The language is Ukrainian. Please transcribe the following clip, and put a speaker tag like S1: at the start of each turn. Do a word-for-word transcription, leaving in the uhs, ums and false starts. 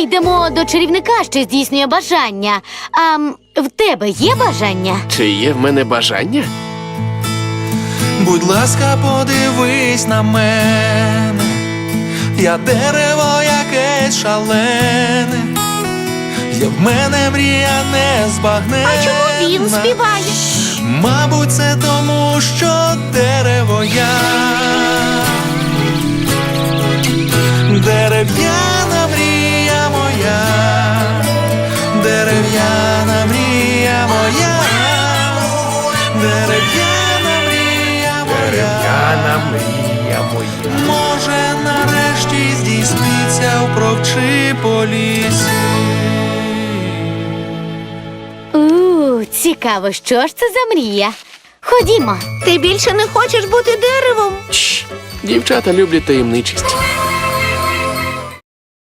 S1: йдемо до чарівника, що здійснює бажання. А м, в тебе є бажання?
S2: Чи є в мене бажання?
S3: Будь ласка, подивись на мене, я дерево якесь шалене, є в мене мрія незбагненна.
S1: А чому він співає?
S3: Мабуть, це тому, що дерево я. Дерев'яна мрія моя, дерев'яна мрія моя, дерев'яна мрія моя,
S2: Дерев'яна мрія моя.
S3: може нарешті здійсниться в провчи по лісі.
S1: У, цікаво, що ж це за мрія? Ходімо.
S4: Ти більше не хочеш бути деревом?
S2: Чш, дівчата люблять таємничість.